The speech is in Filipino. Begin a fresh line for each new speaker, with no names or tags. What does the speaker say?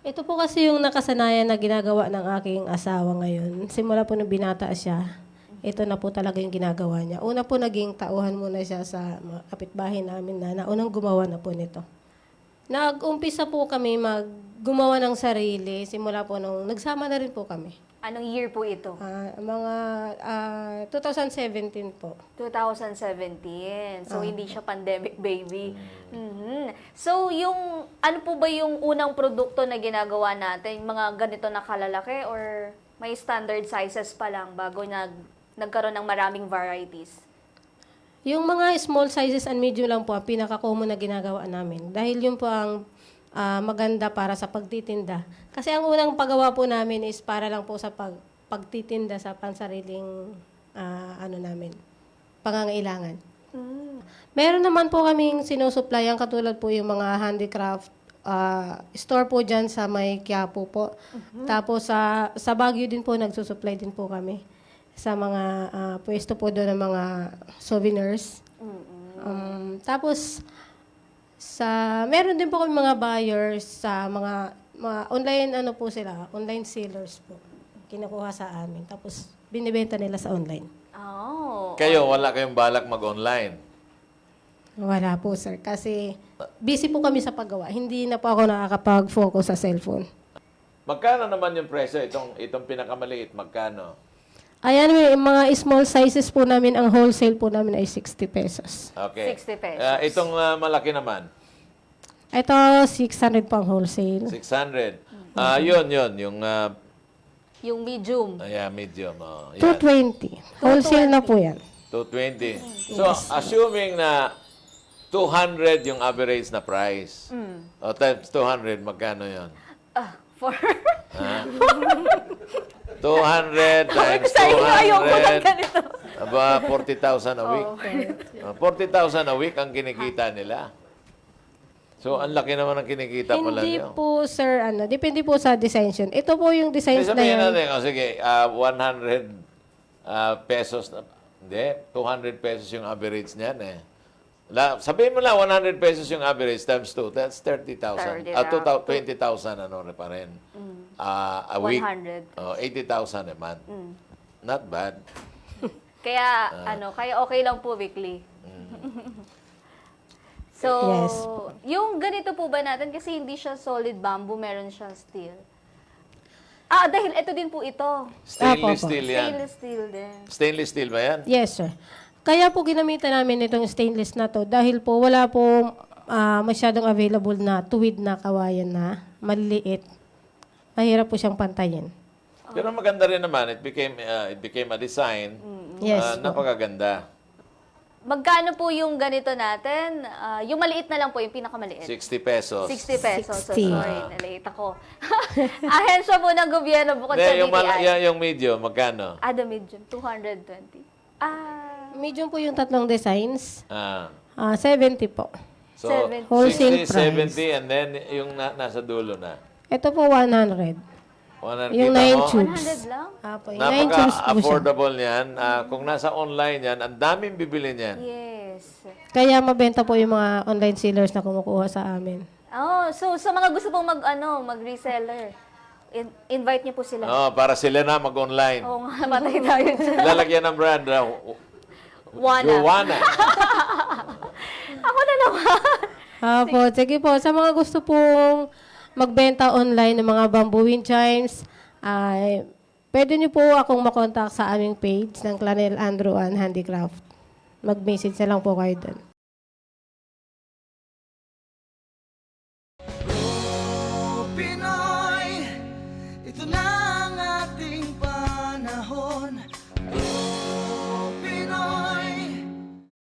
Ito po kasi yung nakasanayan na ginagawa ng aking asawa ngayon. Simula po nung binata siya, ito na po talaga yung ginagawa niya. Una po naging tauhan muna siya sa mga kapitbahay namin na naunang gumawa na po nito. Nag-umpisa po kami gumawa ng sarili. Simula po nung nagsama na rin po kami.
Anong year po ito?
Mga 2017 po.
2017. So, hindi siya pandemic baby. Mhm. So, ano po ba yung unang produkto na ginagawa natin? Mga ganito na kalalaki or may standard sizes pa lang bago nagkaroon ng maraming varieties?
Yung mga small sizes and medium lang po ang pinaka-common na ginagawa namin. Dahil yun po ang maganda para sa pagtitinda. Kasi ang unang paggawa po namin is para lang po sa pagtitinda sa pansariling pangangailangan. Meron naman po kaming sinusupplyan katulad po yung mga handicraft store po dyan sa may Quiapo po. Tapos sa Baguio din po nagsusupply din po kami sa mga pwesto po doon ng mga souvenirs. Tapos meron din po kami mga buyers sa mga online online sellers po. Kinukuha sa amin. Tapos binibenta nila sa online.
Oh.
Kayo, wala kayong balak mag-online?
Wala po, sir. Kasi busy po kami sa paggawa. Hindi na po ako nakakapag-focus sa cellphone.
Magkano naman yung presyo? Itong pinakamaliit, magkano?
Ayan, may mga small sizes po namin. Ang wholesale po namin ay 60 pesos.
Okay.
60 pesos.
Itong malaki naman,
Ito, 600 po ang wholesale.
600.
Yung medium.
Medium. Yan.
220. Wholesale na po yan.
220. So, assuming na 200 yung average na price, o times 200, magkano yun?
For...
200 times
Sa inyo, ayoko ng
200,
ganito.
aba, 40,000 a week. 40,000 a week ang kinikita nila. So, ang laki naman ang kinikita pala
Hindi
niyo.
po, sir, depende po sa design. Ito po yung designs na
Sabihin
yan.
natin, sige, 100 pesos, hindi, 200 pesos yung average niyan eh. Sabihin mo lang, 100 pesos yung average times 2, that's 30,000. 20,000 pa rin. A week.
100.
80,000 a month. Not bad.
Kaya, kaya okay lang po weekly. So,
Yes.
yung ganito po ba natin, kasi hindi siya solid bamboo, meron siyang steel. Dahil ito din po ito.
Stainless
Apo.
steel yan.
Stainless steel din.
Stainless steel ba yan?
Yes, sir. Kaya po ginamitan namin itong stainless na to dahil po wala po masyadong available na tuwid na kawayan na maliliit. Mahirap po siyang pantayin.
Pero maganda rin naman. It became a design.
Yes po.
Napakaganda.
Magkano po yung ganito natin? Yung maliit na lang po, yung pinakamaliit.
60 pesos.
60 pesos. So,
60.
sorry, nalate ako. Ahensya po ng gobyerno bukod sa
Hindi,
BPI.
yung medium, magkano?
The medium, 220.
Medium po yung tatlong designs.
Ah.
70 po.
So,
70.
Wholesale
60,
price.
70, and then yung nasa dulo na.
Ito po 100.
100,
Yung
kita
9
mo?
tubes.
100 lang?
Yung 9 tubes po siya.
Napaka-affordable niyan. Kung nasa online yan, ang daming bibili niyan.
Yes.
Kaya mabenta po yung mga online sellers na kumukuha sa amin.
So sa mga gusto pong mag-reseller, invite niyo po sila.
Oh, para sila na mag-online.
Oo nga, matay tayo dyan.
Lalagyan ng brand.
Wana.
Joanna.
Ako na naman.
Sige po. Sa mga gusto pong magbenta online ng mga bamboo wind chimes, pwede niyo po akong makontak sa aming page ng Clanel Andrew and Handicraft. Mag-message na lang po kayo doon.
Pinoy, ito na ang ating panahon.